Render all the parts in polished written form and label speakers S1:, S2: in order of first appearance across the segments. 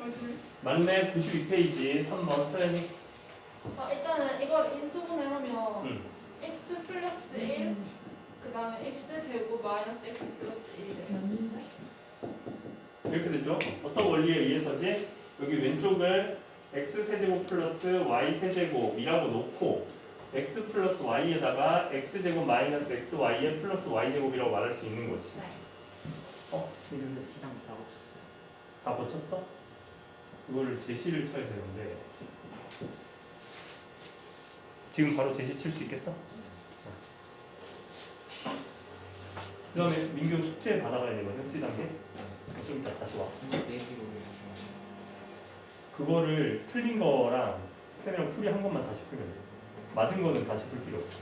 S1: 맞네. 92페이지 3번 서연이.
S2: 일단은 이걸 인수분해하면
S1: 응.
S2: x 플러스 1 그 다음에 x 제곱 마이너스 x 플러스 1이 돼요.
S3: 맞는데?
S1: 이렇게 되죠. 어떤 원리에 의해서지? 여기 왼쪽을 x 세제곱 플러스 y 세제곱이라고 놓고 x 플러스 y에다가 x 제곱 마이너스 x y에 플러스 y 제곱이라고 말할 수 있는 거지.
S3: 네.
S1: 이름도
S4: 시장 다 고쳤어요.
S1: 다 고쳤어? 그거를 제시를 쳐야 되는데 지금 바로 제시 칠 수 있겠어? 그 다음에 민규 숙제 받아가야 되거든, C단계. 좀 이따 다시 와.
S4: 내기로
S1: 그거를 틀린 거랑 쌤이랑 풀이 한 것만 다시 풀면 돼. 맞은 거는 다시 풀 필요 없어.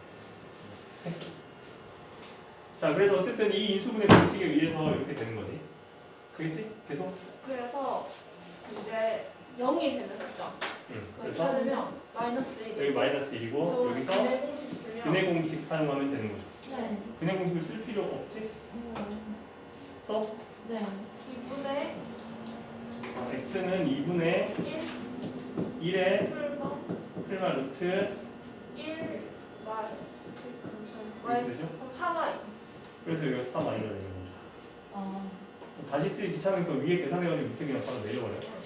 S1: 자, 그래서 어쨌든 이 인수분해 방식에 의해서 이렇게 되는 거지. 그겠지? 계속?
S2: 그래서 이제 0이 되는 숫자.
S1: 응.
S2: 그걸
S1: 그래서
S2: 찾으면 마이너스 1이
S1: 여기 마이너스 1이고 여기서
S2: 근해 공식 쓰면
S1: 근해 공식 사용하면 되는 거죠.
S3: 네.
S1: 근해 공식을 쓸 필요 없지? 써?
S3: 네.
S2: 2분의
S1: x는 2분의
S2: 1
S1: 1의
S2: 풀마
S1: 풀마 루트
S2: 1 마이
S1: 이렇게 되죠?
S2: 4마이
S1: 그래서 여기가 4 마이너스 되는 거죠.
S3: 아.
S1: 다시 쓰기 귀찮으니까 위에 계산해가지고 밑에 그냥 바로 내려버려요.